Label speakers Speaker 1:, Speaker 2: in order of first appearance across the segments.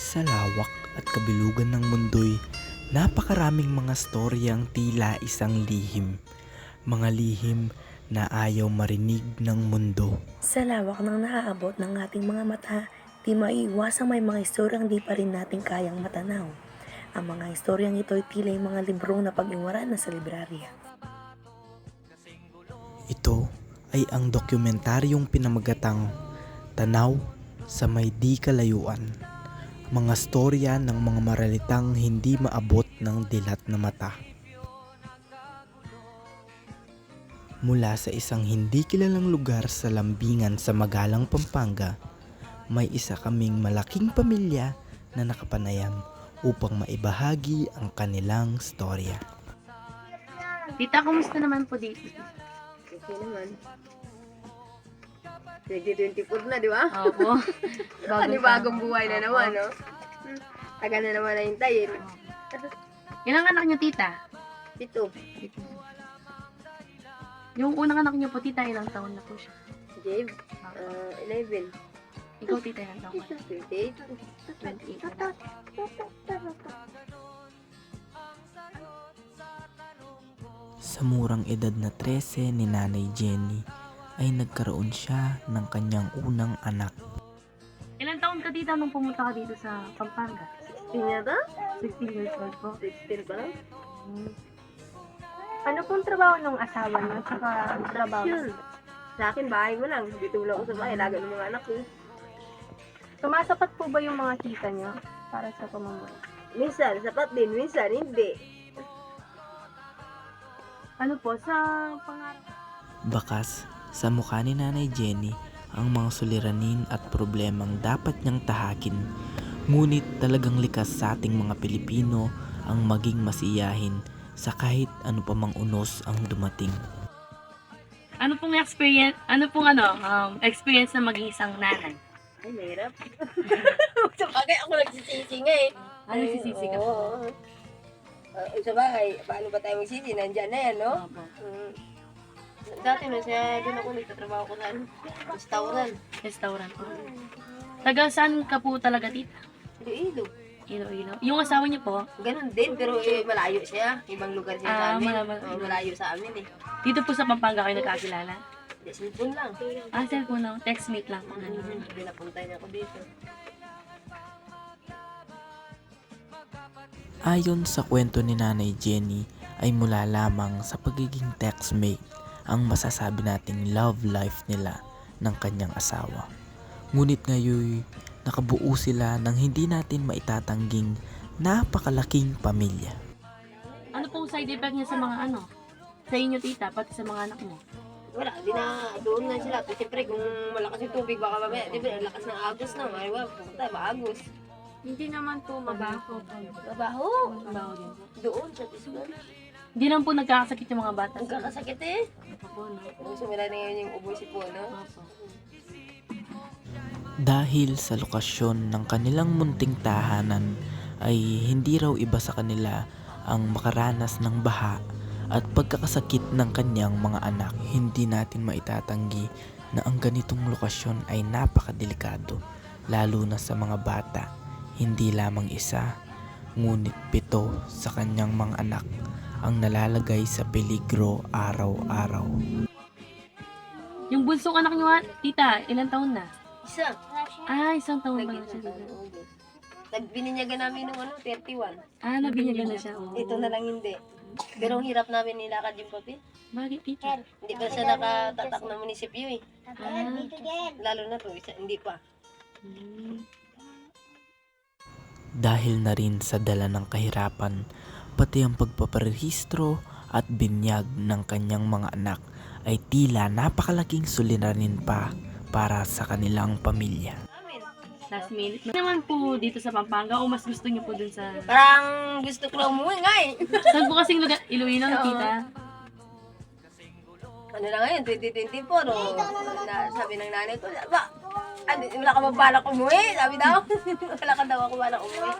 Speaker 1: Sa lawak at kabilugan ng mundo'y napakaraming mga storyang tila isang lihim. Mga lihim na ayaw marinig ng mundo.
Speaker 2: Sa lawak ng naaabot ng ating mga mata, di maiiwasang may mga istoryang di pa rin natin kayang matanaw. Ang mga istoryang ito ay tila yung mga librong na pag-iwaran na sa librarya.
Speaker 1: Ito ay ang dokumentaryong pinamagatang Tanaw sa May Di Kalayuan. Mga storya ng mga maralitang hindi maabot ng dilat na mata. Mula sa isang hindi kilalang lugar sa Lambingan sa Magalang, Pampanga, may isa kaming malaking pamilya na nakapanayam upang maibahagi ang kanilang storya.
Speaker 3: Tita, kumusta naman po dito?
Speaker 4: Okay naman. 2024 na, di ba?
Speaker 3: Opo.
Speaker 4: Bagong buhay na naman, no? Taga na naman na hintayin.
Speaker 3: Ilang anak niyo, tita?
Speaker 4: Ito,
Speaker 3: Yung unang anak niyo po, tita, ilang taon na po siya?
Speaker 4: Jave, 11,
Speaker 3: Ikaw, tita, ilang taon ka?
Speaker 4: 28.
Speaker 3: 28 na.
Speaker 1: Sa murang edad na 13 ni Nanay Jenny ay nagkaroon siya ng kanyang unang anak.
Speaker 3: Ilang taon ka, tita, nung pumunta ka dito sa Pampanga?
Speaker 4: 16 yata?
Speaker 3: 16 years old po.
Speaker 4: 16 pa lang?
Speaker 5: Ano pong trabaho ng asawa niyo? Tsaka trabaho?
Speaker 4: Yun. Sa akin, bahay mo lang. Dito lang ako sa bahay. Laga ng mga anak ko.
Speaker 5: Sumasapat po ba yung mga kita niyo para sa pamumuhay?
Speaker 4: Minsan, sapat din. Minsan, hindi.
Speaker 5: Ano po, sa pangarap?
Speaker 1: Bakas sa mukha ni Nanay Jenny ang mga suliranin at problemang dapat niyang tahakin. Ngunit talagang likas sa ating mga Pilipino ang maging masiyahin sa kahit ano pa mang unos ang dumating.
Speaker 3: Ano pong experience na maging isang nanay?
Speaker 4: Ay, mahirap. Sa bagay, ako nagsisisi nga eh.
Speaker 3: Ano sisisi ka po?
Speaker 4: Oo. Sa bagay, paano ba tayo magsisi? Nandyan na yan, no?
Speaker 3: Opo.
Speaker 4: Dati na siya, doon ako nagtatrabaho ko sa restaurant.
Speaker 3: Restaurant po. Taga saan ka po talaga, tita?
Speaker 4: Iloilo.
Speaker 3: Iloilo. Yung asawa niyo po,
Speaker 4: Ganun din, pero malayo siya. Ibang lugar siya sa amin. Malayo sa amin eh.
Speaker 3: dito po sa Pampanga kayo nagkakilala?
Speaker 4: Hindi, cellphone lang.
Speaker 3: Cellphone lang. Textmate lang po.
Speaker 4: Pinapuntay niya ako dito.
Speaker 1: Ayon sa kwento ni Nanay Jenny ay mula lamang sa pagiging textmate ang masasabi nating love life nila ng kanyang asawa. Ngunit ngayon nakabuo sila ng hindi natin maitatangging napakalaking pamilya.
Speaker 3: Ano pong side effect niya sa mga sa inyo, tita, pati sa mga anak mo?
Speaker 4: Wala, di na, doon na sila. Siyempre, kung malakas yung tubig, baka mamaya, di ba, ang lakas ng agos na, ayaw, pumunta, maagos.
Speaker 5: Hindi naman po mabaho.
Speaker 4: Trabaho,
Speaker 3: Trabaho din po.
Speaker 4: doon, sa school.
Speaker 3: Hindi naman po nagkakasakit yung mga bata.
Speaker 4: Ang kakasakit eh.
Speaker 3: Opo, no?
Speaker 4: Kung sumila na ngayon yung ubo si Puno.
Speaker 3: Opo.
Speaker 1: Dahil sa lokasyon ng kanilang munting tahanan ay hindi raw iba sa kanila ang makaranas ng baha at pagkakasakit ng kanyang mga anak. Hindi natin maitatanggi na ang ganitong lokasyon ay napakadelikado, lalo na sa mga bata. Hindi lamang isa, ngunit 7 sa kanyang mga anak ang nalalagay sa peligro araw-araw.
Speaker 3: Yung bunsong anak niyo, tita, ilang taon na?
Speaker 4: Isa.
Speaker 3: Isang taon pa lang siya, tita.
Speaker 4: Nagbininyagan namin nung 31.
Speaker 3: Nabinyagan na siya. Oh.
Speaker 4: Ito na lang hindi. Pero ang hirap namin nilakad yung papel.
Speaker 3: Bakit, tita?
Speaker 4: Hindi pa siya nakatatak ng munisipyo eh. Lalo na to, hindi pa.
Speaker 1: Dahil na rin sa dala ng kahirapan, pati ang pagpaparehistro at binyag ng kanyang mga anak ay tila napakalaking suliranin pa para sa kanilang pamilya.
Speaker 3: Last minute. Naman po dito sa Pampanga o mas gusto niyo po dun sa...
Speaker 4: Parang gusto ko lang umuwi nga eh.
Speaker 3: Saan po kasing lugar? Iloilo, tita?
Speaker 4: Ano na ngayon, 2024, sabi ng nanay ko, ba, wala ka ba balak umuwi? Sabi daw, wala ka daw ako balak umuwi.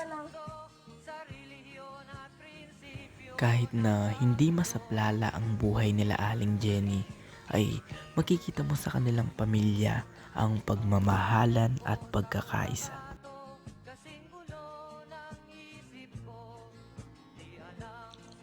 Speaker 1: Kahit na hindi masaplala ang buhay nila Aling Jenny, ay makikita mo sa kanilang pamilya ang pagmamahalan at pagkakaisa.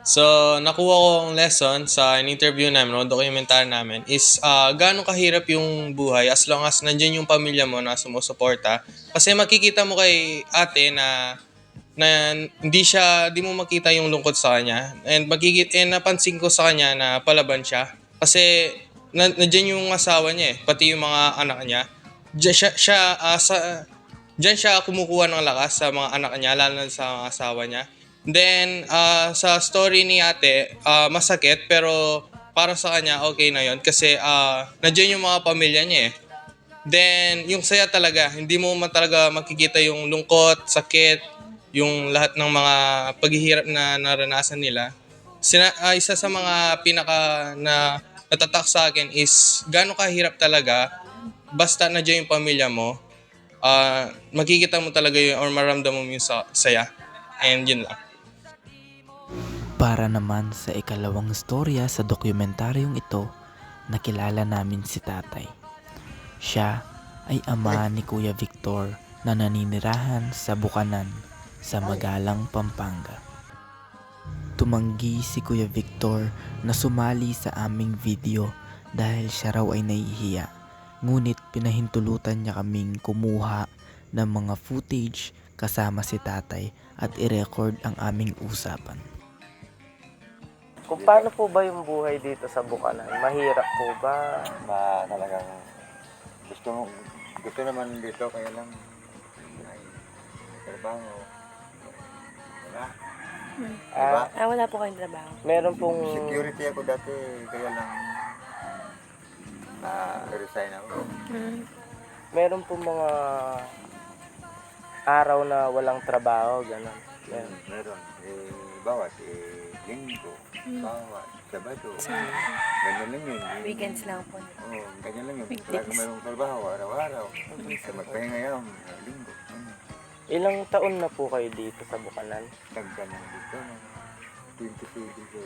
Speaker 6: So, nakuha ko ang lesson sa in-interview namin o documentary namin is gaano kahirap yung buhay as long as nandiyan yung pamilya mo na sumusuporta. Kasi makikita mo kay ate na di mo makita yung lungkot sa kanya. And napansin ko sa kanya na palaban siya. Kasi nandiyan yung asawa niya pati yung mga anak niya. Diyan siya kumukuha ng lakas sa mga anak niya, lalo na sa mga asawa niya. Then, sa story ni ate, masakit pero para sa kanya okay na yon kasi nandiyan yung mga pamilya niya Then, yung saya talaga, hindi mo talaga makikita yung lungkot, sakit, yung lahat ng mga paghihirap na naranasan nila. Isa sa mga pinaka na natatak sa akin is gaano kahirap talaga basta nandiyan yung pamilya mo, makikita mo talaga yun or maramdaman mo yung saya. And yun lang.
Speaker 1: Para naman sa ikalawang storya sa dokumentaryong ito, nakilala namin si tatay. Siya ay ama ni Kuya Victor na naninirahan sa Bukanan sa Magalang, Pampanga. Tumanggi si Kuya Victor na sumali sa aming video dahil siya raw ay nahihiya. Ngunit pinahintulutan niya kaming kumuha ng mga footage kasama si tatay at i-record ang aming usapan.
Speaker 7: Kung paano po ba yung buhay dito sa Bukanan? Mahirap po ba?
Speaker 8: Talagang gusto naman dito kaya lang ay trabaho. Wala. Diba?
Speaker 2: Wala po kayong trabaho.
Speaker 7: Meron pong
Speaker 8: Security ako dati kaya lang na-resign ako.
Speaker 7: meron pong mga araw na walang trabaho, gano'n.
Speaker 8: Meron. Bawat linggo, bawat Sabado. Ganyan lang yun.
Speaker 2: Weekends lang po.
Speaker 8: Oo, ganyan lang yun. Talagang mayroong trabaho, araw-araw. Sa magpahinga yan, linggo.
Speaker 7: Ilang taon na po kayo dito sa Bukanan?
Speaker 8: Tagka na dito, 27 ko.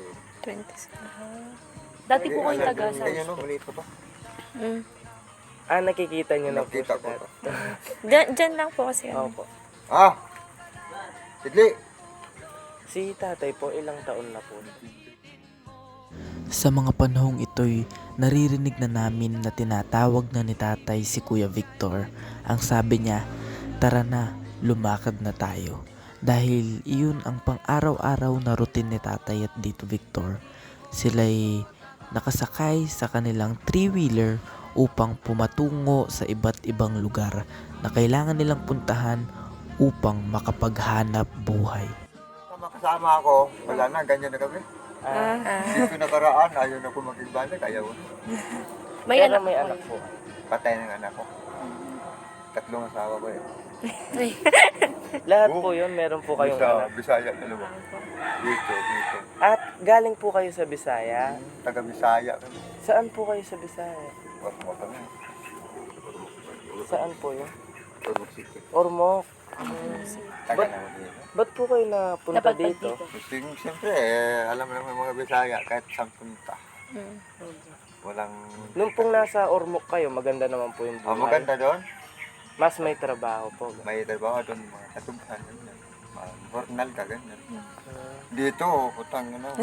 Speaker 2: 20. Dati po kayo taga sa...
Speaker 8: Ganyan no, maliit pa pa.
Speaker 7: Nakikita nyo na po
Speaker 8: Nakita
Speaker 7: siya
Speaker 8: ko
Speaker 7: dati.
Speaker 8: pa.
Speaker 2: Diyan lang po kasi.
Speaker 7: Opo.
Speaker 8: Sidli!
Speaker 7: Si tatay po, ilang taon na po?
Speaker 1: Sa mga panahong ito'y naririnig na namin na tinatawag na ni tatay si Kuya Victor. Ang sabi niya, tara na, lumakad na tayo. Dahil iyon ang pang-araw-araw na routine ni tatay at Tito Victor. Sila'y nakasakay sa kanilang three-wheeler upang pumatungo sa iba't ibang lugar na kailangan nilang puntahan upang makapaghanap buhay.
Speaker 8: Kasama ako, wala na, ganyan na kami. Dito nakaraan, ayaw na ko makigbalik, ayaw na.
Speaker 7: May anak po.
Speaker 8: Patay ng anak ko. 3 asawa ko eh.
Speaker 7: Lahat po yun, meron po kayong anak.
Speaker 8: Bisaya, dalawa. Dito.
Speaker 7: At galing po kayo sa Bisaya?
Speaker 8: Taga Bisaya kami.
Speaker 7: Saan po kayo sa Bisaya?
Speaker 8: Ormo kami.
Speaker 7: Saan po yun?
Speaker 8: Ormo City.
Speaker 7: Ormoc.
Speaker 8: Taga na dito.
Speaker 7: Ba't po kayo napunta dito?
Speaker 8: Siyempre, alam mo naman mga Bisaya, kahit saan punta. Walang...
Speaker 7: Nung pong nasa Ormoc kayo, maganda naman po yung buhay.
Speaker 8: maganda doon.
Speaker 7: Mas may trabaho po.
Speaker 8: May trabaho doon, mga katubhan, ganyan. Jornal ka, ganyan. Dito, putang ano.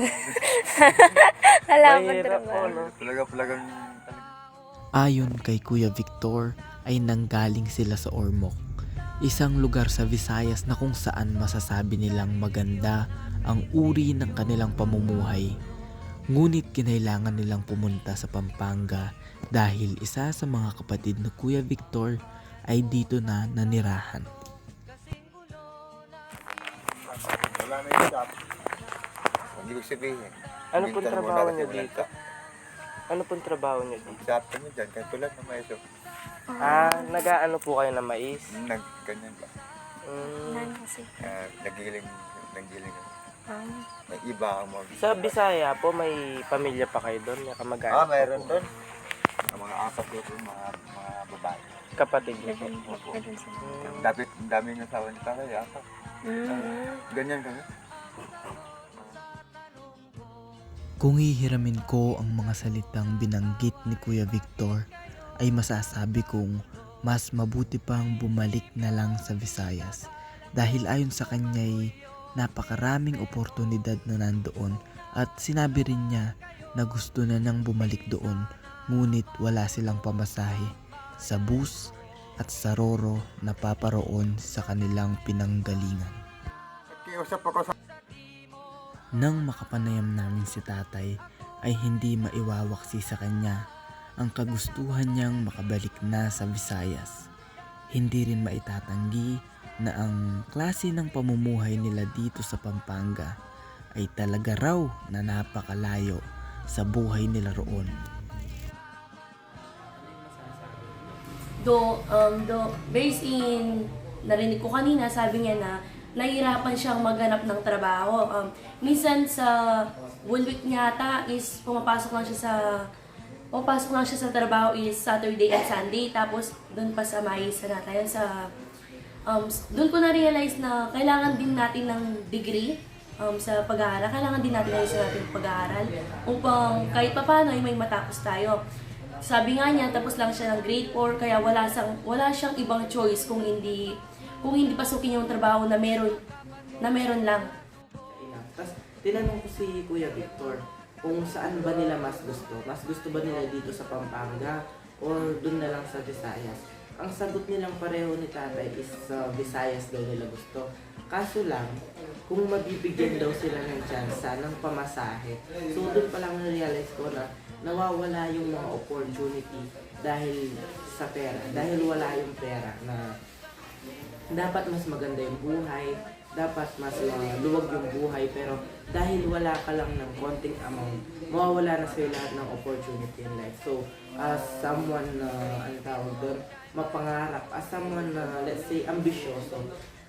Speaker 7: Mahirap po, no?
Speaker 8: Talagang...
Speaker 1: Ayon kay Kuya Victor ay nanggaling sila sa Ormoc, isang lugar sa Visayas na kung saan masasabi nilang maganda ang uri ng kanilang pamumuhay. Ngunit kinailangan nilang pumunta sa Pampanga dahil isa sa mga kapatid na Kuya Victor ay dito na nanirahan.
Speaker 8: Wala na yung job. Hindi ko sabihin.
Speaker 7: Ano pong trabaho niyo dito? Ano pong trabaho niyo dito?
Speaker 8: Job kami dyan, kahit tulad ng maeso.
Speaker 7: Nag-aano po kayo ng mais?
Speaker 8: Ganyan ba? Nagiling. May iba ang mga...
Speaker 7: Sa Bisaya po, may pamilya pa kayo doon? May kamag-anak pa
Speaker 8: mayroon
Speaker 7: po?
Speaker 8: doon. Ang mga apat doon, mga babae.
Speaker 7: Kapatid niyo po?
Speaker 8: Ang dami ng asawa ni tatay, apat. Ganyan kami.
Speaker 1: Kung hihiramin ko ang mga salitang binanggit ni Kuya Victor, ay masasabi kong mas mabuti pang bumalik na lang sa Visayas dahil ayon sa kanya'y Napakaraming oportunidad na nandoon at sinabi rin niya na gusto na nang bumalik doon, ngunit wala silang pamasahe sa bus at sa roro na paparoon sa kanilang pinanggalingan.
Speaker 8: Kiusap ako sa
Speaker 1: Nang makapanayam namin si tatay ay hindi maiwawaksi sa kanya ang kagustuhan niyang makabalik na sa Visayas. Hindi rin maitatanggi na ang klase ng pamumuhay nila dito sa Pampanga ay talaga raw na napakalayo sa buhay nila roon.
Speaker 2: Based in, narinig ko kanina, sabi niya na nahihirapan siyang maghanap ng trabaho. Minsan sa week niya ata is pumapasok lang siya sa trabaho is Saturday at Sunday. Tapos doon pa sa Mais na tayo sa doon ko na-realize na kailangan din natin ng degree sa pag-aaral. Kailangan din natin ayusin natin yung pag-aaral upang kahit papaano ay may matapos tayo. Sabi nga niya, tapos lang siya ng grade 4, kaya wala siyang ibang choice kung hindi pasukin yung trabaho na meron lang.
Speaker 9: Tapos tinanong ko si Kuya Victor kung saan ba nila mas gusto. Mas gusto ba nila dito sa Pampanga or dun na lang sa Visayas? Ang sagot nilang pareho ni tatay is sa Visayas daw nila gusto. Kaso lang, kung mabibigyan daw sila ng tsansa ng pamasahe, so doon pa lang na-realize ko na nawawala yung mga opportunity dahil sa pera. Dahil wala yung pera na dapat mas maganda yung buhay, dapat mas luwag yung buhay, pero dahil wala ka lang ng konting amount, mawawala na sa'yo lahat ng opportunity in life. So, as someone na, mapangarap, as someone na, let's say, ambisyoso,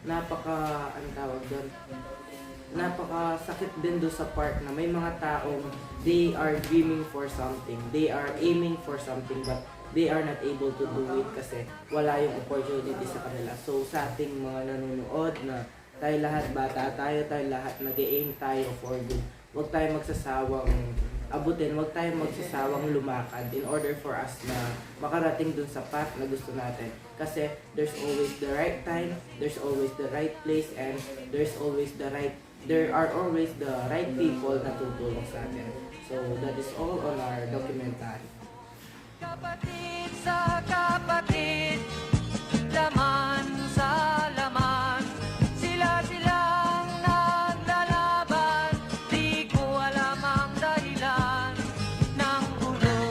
Speaker 9: napakasakit din do sa part na may mga taong they are dreaming for something, they are aiming for something, but they are not able to do it kasi wala yung opportunity sa kanila. So sa ating mga nanonood na tayo lahat bata, tayo lahat nag-aim tayo for good. Huwag tayo magsasawang abutin, huwag tayo magsasawang lumakad in order for us na makarating dun sa path na gusto natin. Kasi there's always the right time, there's always the right place, and there are always the right people na tutulong sa atin. So that is all on our documentary.
Speaker 10: Kapatid sa kapatid, laman sa laman, sila-silang naglalaban, di ko alam ang dahilan ng gulo.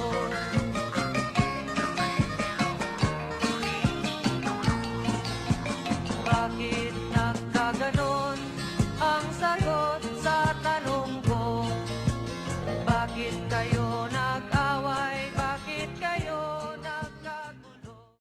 Speaker 10: Bakit